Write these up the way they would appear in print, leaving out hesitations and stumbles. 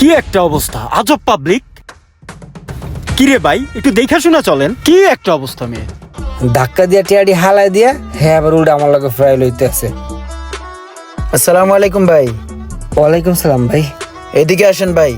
একটা অবস্থা, আজব পাবলিক। কি রে ভাই, একটু দেখা শোনা চলেন। কি একটা অবস্থা মেয়ে। ধাক্কা দিয়া টিয়াডি হালাই দিয়া হ্যাঁ আবার উল্টা আমার লগে ফ্রাই লইতে আছে। আসসালামু আলাইকুম ভাই। ওয়ালাইকুম সালাম ভাই। এদিকে আসেন ভাই।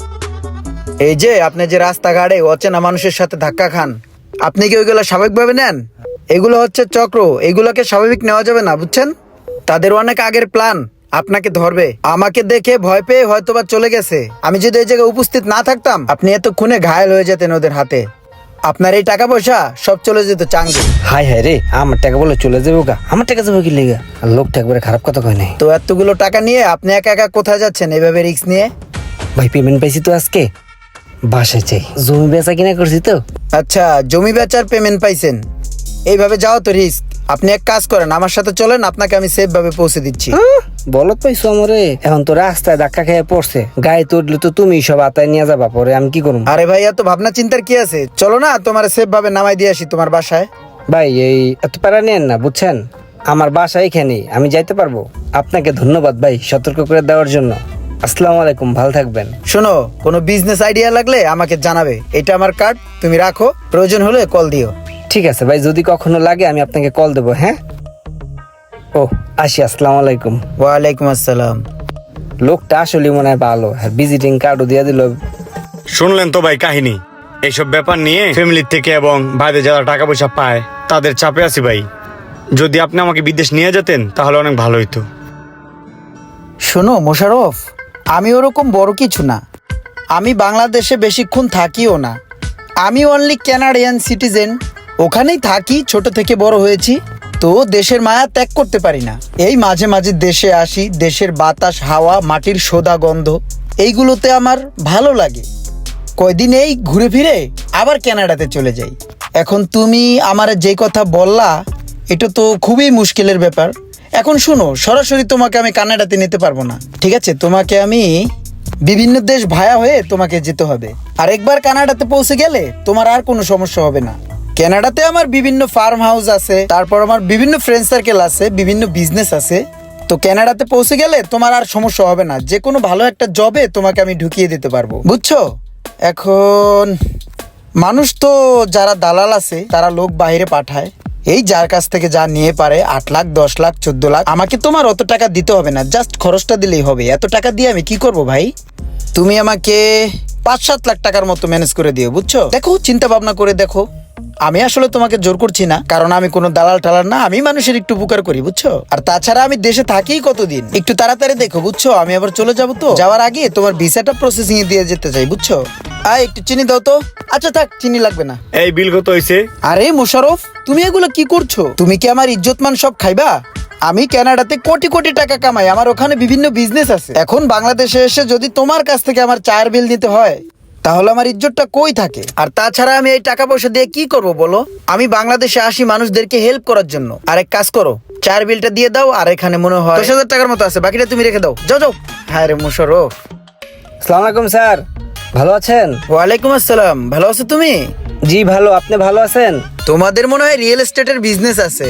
এই যে আপনি যে রাস্তাঘাটে অচেনা মানুষের সাথে ধাক্কা খান, আপনি কি ওইগুলো স্বাভাবিকভাবে নেন? এগুলো হচ্ছে চক্র, এগুলোকে স্বাভাবিক নেওয়া যাবে না, বুঝছেন? তাদের অনেক আগের প্ল্যান, আপনাকে ধরবে। আমাকে দেখে ভয় পেয়ে হয়তোবা চলে গেছে। আমি যদি এই জায়গায় উপস্থিত না থাকতাম, আপনি এতক্ষণে ঘায়েল হয়ে যেতেন ওদের হাতে। আপনার এই টাকা পয়সা সব চলে যেত চাঙ্গে। হাই হাই রে, আমার টাকা বলে চলে যাবো গা? আমার টাকা যাবো কি লেগা? আর লোকটা একবারে খারাপ কথা কয় নাই। তো এতগুলো টাকা নিয়ে আপনি একা একা কোথায় যাচ্ছেন এভাবে রিস্ক নিয়ে? ভাই পেমেন্ট পাইছি তো আজকে, বাসায় চাই। জমি বেচা কিনা করছি তো। আচ্ছা, জমি বেচার পেমেন্ট পাইছেন, এইভাবে যাও তো রিস্ক। আপনি এক কাজ করেন, আমার সাথে চলেন, আপনাকে আমি সেফ ভাবে পৌঁছে দিচ্ছি। বলত পাইছো আমারে? এখন তো রাস্তায় ধাক্কা খেয়ে পড়ছে, গায়ে তো উঠলে তো তুমি সব আতায় নিয়ে যাবা, পরে আমি কি করবো? আরে ভাই, এত ভাবনা চিন্তার কি আছে? চলো না, তোমার সেফ ভাবে নামাই দিয়ে আসি তোমার বাসায়। ভাই এই এত প্যারা নেন না, বুঝছেন? আমার বাসা এখানেই, আমি যাইতে পারবো। আপনাকে ধন্যবাদ ভাই সতর্ক করে দেওয়ার জন্য। আসসালামু আলাইকুম, ভালো থাকবেন। শোনো, কোনো বিজনেস আইডিয়া লাগলে আমাকে জানাবে। এটা আমার কার্ড, তুমি রাখো, প্রয়োজন হলে কল দিও। ঠিক আছে ভাই, যদি কখনো লাগে আমি আপনাকে কল দেবো। হ্যাঁ, ও আসি। আসসালামু আলাইকুম। ওয়ালাইকুম আসসালাম। লোকটা আসলে মনে হয় ভালো, আর ভিজিটিং কার্ডও দিয়ে দিল। শুনলেন তো ভাই কাহিনী। এইসব ব্যাপার নিয়ে ফ্যামিলির থেকে এবং বাইরে যারা টাকা পয়সা পায় তাদের চাপে আছি ভাই। যদি আপনি আমাকে বিদেশ নিয়ে যেতেন তাহলে অনেক ভালো হইতো। শোনো মোশাররফ, আমি ওরকম বড় কিছু না। আমি বাংলাদেশে বেশিক্ষণ থাকিও না। আমি অনলি ক্যানাডিয়ান সিটিজেন, ওখানেই থাকি, ছোট থেকে বড় হয়েছি। তো দেশের মায়া ত্যাগ করতে পারি না। এই মাঝে মাঝে দেশে আসি, দেশের বাতাস, হাওয়া, মাটির সোদা গন্ধ, এইগুলোতে আমার ভালো লাগে। কয়দিন এই ঘুরে ফিরে আবার কানাডাতে চলে যাই। এখন তুমি আমার যে কথা বললা, এটা তো খুবই মুশকিলের ব্যাপার। এখন শুনো, সরাসরি তোমাকে আমি কানাডাতে নিতে পারবো না, ঠিক আছে? তোমাকে আমি বিভিন্ন দেশ ভায়া হয়ে তোমাকে যেতে হবে। আর একবার কানাডাতে পৌঁছে গেলে তোমার আর কোনো সমস্যা হবে না। কানাডাতে আমার বিভিন্ন ফার্ম হাউস আছে, তারপর আমার বিভিন্ন ফ্রেন্ড সার্কেল আছে, বিভিন্ন বিজনেস আছে। তো কানাডাতে পৌঁছে গেলে তোমার আর সমস্যা হবে না। যে কোনো ভালো একটা জবে তোমাকে আমি ঢুকিয়ে দিতে পারবো, বুঝছো? এখন মানুষ তো যারা দালাল আছে তারা লোক বাইরে পাঠায়, এই যার কাছ থেকে যা নিয়ে পারে, 8 লাখ, 10 লাখ, 14 লাখ। আমাকে তোমার অত টাকা দিতে হবে না, জাস্ট খরচটা দিলেই হবে। এত টাকা দিয়ে আমি কি করব ভাই? তুমি আমাকে 5-7 লাখ টাকার মতো ম্যানেজ করে দিও, বুঝছো? দেখো, চিন্তা ভাবনা করে দেখো। আমি আসলে তোমাকে জোর করছি না, কারণ আমি কোনো দালাল টালাল না। আমি মানুষের একটু উপকার করি, বুঝছো? আর তাছাড়া আমি দেশে থাকি কতদিন, একটু তাড়াতাড়ি দেখো, বুঝছো? আমি আবার চলে যাবো, তো যাওয়ার আগে তোমার ভিসাটা প্রসেসিং এ দিয়ে যেতে চাই, বুঝছো? একটু চিনি দাও তো। আচ্ছা থাক, চিনি লাগবে না। এই বিল কত হয়েছে? আরে মোশাররফ, তুমি এগুলো কি করছো? তুমি কি আমার ইজ্জতমান সব খাইবা? আমি কানাডাতে কোটি কোটি টাকা কামাই, আমার ওখানে বিভিন্ন বিজনেস আছে। এখন বাংলাদেশে এসে যদি তোমার কাছ থেকে আমার চায়ের বিল দিতে হয়, তাহলে আমার ইজ্জতটা কই থাকে? আর তাছাড়া আমি এই টাকা পয়সা দিয়ে কি করব বলো? আমি বাংলাদেশে আসি মানুষদেরকে হেল্প করার জন্য। আর এক কাজ করো, চায়ের বিলটা দিয়ে দাও। আর এখানে মনে হয় 10,000 টাকার মতো আছে, বাকিটা তুমি রেখে দাও। যাও যাও। হ্যাঁ রে মোশাররফ। আসসালামু আলাইকুম স্যার, ভালো আছেন? ওয়ালাইকুম আসসালাম। ভালো আছো তুমি? জি ভালো, আপনি ভালো আছেন? তোমাদের মনে হয় রিয়েল এস্টেটের বিজনেস আছে।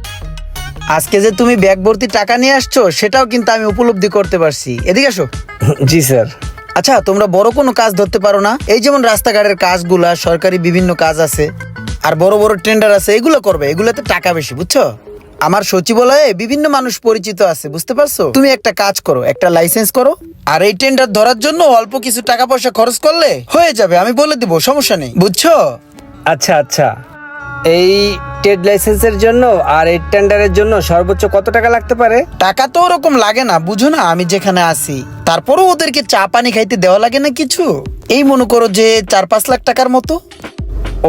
আজকে যে তুমি ব্যাগ ভর্তি টাকা নিয়ে আসছো, সেটাও কিন্তু আমি উপলব্ধি করতে পারছি। এদিকে আসো। জি স্যার। আচ্ছা, তোমরা বড় কোনো কাজ ধরতে পারো না? এই যেমন রাস্তাঘাটের কাজগুলা, সরকারি বিভিন্ন কাজ আছে, আর বড় বড় টেন্ডার আছে, এগুলো করবে। এগুলোতে টাকা বেশি, বুঝছো? আমার সচিবালয়ে বিভিন্ন মানুষ পরিচিত আছে, বুঝতে পারছো? তুমি একটা কাজ করো, একটা লাইসেন্স করো, আর এই টেন্ডার ধরার জন্য অল্প কিছু টাকা পয়সা খরচ করলে হয়ে যাবে। আমি বলে দিব, সমস্যা নেই, বুঝছো? আচ্ছা আচ্ছা, এই ট্রেড লাইসেন্সের জন্য আর এই টেন্ডারের জন্য সর্বোচ্চ কত টাকা লাগতে পারে? টাকা তো ওরকম লাগে না, বুঝো না আমি যেখানে আছি। তারপরও ওদেরকে চা পানি খাইতে দেওয়া লাগে না কিছু। এই মনে করো যে 4-5 লাখ টাকার মতো। ও,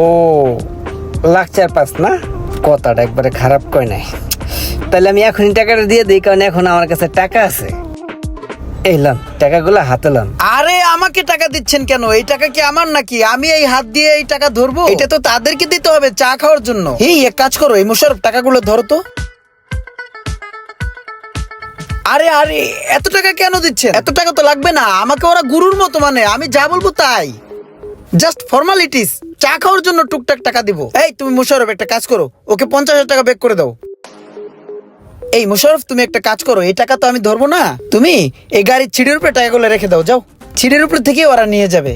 লাখ 4-5 না? কথাটা একবারে খারাপ কয় নাই। তাহলে আমি এখনই টাকাটা দিয়ে দিই, কারণ এখন আমার কাছে টাকা আছে। এই লান, টাকাগুলো হাতে লান। আরে আমাকে টাকা দিচ্ছেন কেন? এই টাকা কি আমার নাকি? আমি এই হাত দিয়ে এই টাকা ধরবো? এটা তো তাদেরকে দিতে হবে চা খাওয়ার জন্য। এই এক কাজ করো, এই মোশাররফ, টাকাগুলো ধরো তো। আরে আরে, এত টাকা কেন দিচ্ছেন? এত টাকা তো লাগবে না। আমাকে ওরা গুরুর মতো মানে, আমি যা বলবো তাই। Just formalities. চা খাওয়ার জন্য টুকটাক টাকা দিব। এই তুমি মোশাররফ, একটা কাজ করো, ওকে 50,000 টাকা ব্যাক করে দাও। এই মোশাররফ, তুমি একটা কাজ করো, এই টাকা তো আমি ধরবো না। তুমি এই গাড়ির ছিঁড়ির উপরে টাকাগুলো রেখে দাও, যাও। সিটের উপর থেকে ওরা নিয়ে যাবে।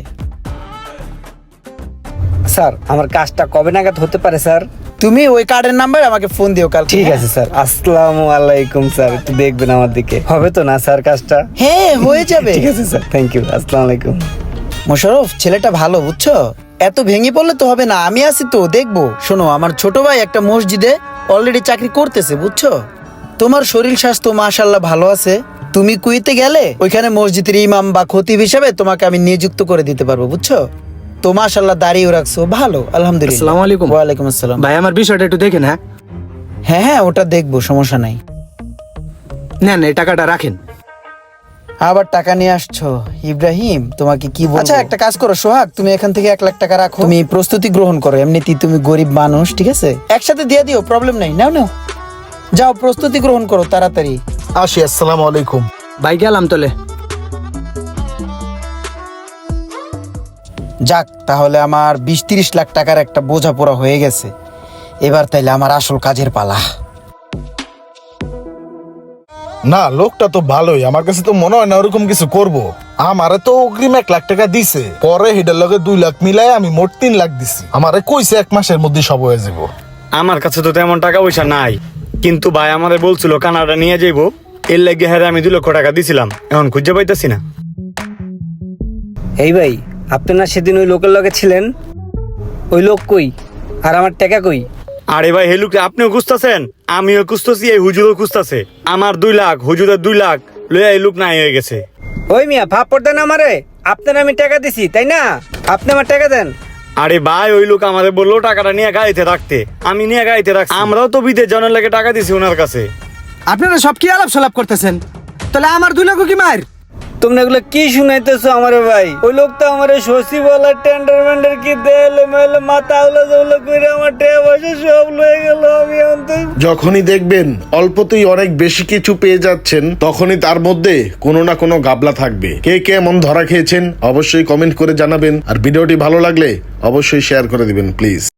স্যার আমার কাজটা কবে নাগাদ হতে পারে স্যার? তুমি ওই কার্ডের নাম্বার আমাকে ফোন দিও কাল। ঠিক আছে স্যার। আসসালামু আলাইকুম স্যার, একটু দেখবেন আমার দিকে। হবে তো না স্যার কাজটা? হ্যাঁ হয়ে যাবে। ঠিক আছে স্যার, থ্যাংক ইউ। আসসালামু আলাইকুম। মোশাররফ ছেলেটা ভালো বুঝছো, এত ভেঙে পড়লে তো হবে না, আমি আছি তো দেখবো। শোনো আমার ছোট ভাই একটা মসজিদে অলরেডি চাকরি করতেছে বুঝছো। তোমার শরীর স্বাস্থ্য মাশাল্লাহ ভালো আছে, তুমি কুয়েতে গেলে ওইখানে মসজিদের ইমাম বা খতিব হিসাবে তোমাকে আমি নিযুক্ত করে দিতে পারবো বুঝছো। তো মাশাল্লাহ দাঁড়িয়ে রাখছো ভালো, আলহামদুলিল্লাহ। আসসালামু আলাইকুম। ওয়ালাইকুম আসসালাম। ভাই আমার বিষয়টা একটু দেখেন। হ্যাঁ হ্যাঁ হ্যাঁ ওটা দেখবো, সমস্যা নাই। নেন এই টাকাটা রাখেন। আবার টাকা নিয়ে আসছো ইব্রাহিম, তোমাকে কি বলবো। আচ্ছা একটা কাজ করো সোহাগ, তুমি এখান থেকে 1 লাখ টাকা রাখো, তুমি প্রস্তুতি গ্রহণ করো, এমনিতেই তুমি গরিব মানুষ, ঠিক আছে একসাথে দিয়ে দিও, প্রবলেম নাই। নাও নাও যাও প্রস্তুতি গ্রহণ করো তাড়াতাড়ি। আসি, আসসালামু আলাইকুম। ভাই গেলাম তোলে। যাক তাহলে আমার 20-30 লাখ টাকার একটা বোঝাপড়া হয়ে গেছে, এবার তাইলে আমার আসল কাজের পালা। না লোকটা তো ভালোই, আমার কাছে তো মনে হয় না ওরকম কিছু করব। আমারে তো অগ্রিম 1 লাখ টাকা দিছে, পরে হেডের লগে 2 লাখ মিলাই আমি মোট 3 লাখ দিছি। আমারে কইছে 1 মাসের মধ্যে সব হয়ে যাব। আমার কাছে তো তেমন টাকা পয়সা নাই, কিন্তু ভাই আমারে বলছিল কানাডা নিয়ে যাইবো, এর লাগে হ্যাঁ আমি 2 লক্ষ টাকা দিছিলাম, এখন খুঁজে পাইতাছি না। এই ভাই, আপনি না সেদিন ওই লোকের লগে ছিলেন, ওই লোক কই আর আমার টাকা কই? আরে ভাই হেলুকে আপনিও খুঁজতেছেন, আমিও খুঁজতেছি, এই হুজুরও খুঁজতেছে। আমার 2 লাখ, হুজুরের 2 লাখ লইয়া এই লোক নাই হয়ে গেছে। ওই মিয়া ফাপড় দেন আমারে, আপনার আমি টাকা দিছি তাই না? আপনি আমার টাকা দেন। আরে ভাই ওই লোক আমাদের বললো টাকাটা নিয়ে গাড়িতে রাখতে, আমি নিয়ে গাড়িতে রাখছি। আমরাও তো বিদেশ জানার লাগে টাকা দিছি ওনার কাছে। আপনারা সব কি আলাপ সালাপ করতেছেন? তাহলে আমার 2 লক্ষ কি মার? তোমরা এগুলো কি শুনাইতেছো আমারে ভাই? ওই লোক তো আমারে সচিবালয় টেন্ডার মেন্ডার কি দেলে মেলে মাথা আউলা জৌলা করে আমার টাকা পয়সা সব লয়ে গেল। আমি অন্তত যখনই দেখবেন অল্পতেই অনেক বেশি কিছু পেয়ে যাচ্ছেন, তখনই তার মধ্যে কোনো না কোনো গাবলা থাকবে। কে কে এমন ধরা খেয়েছেন অবশ্যই কমেন্ট করে জানাবেন, আর ভিডিওটি ভালো লাগলে অবশ্যই শেয়ার করে দিবেন প্লিজ।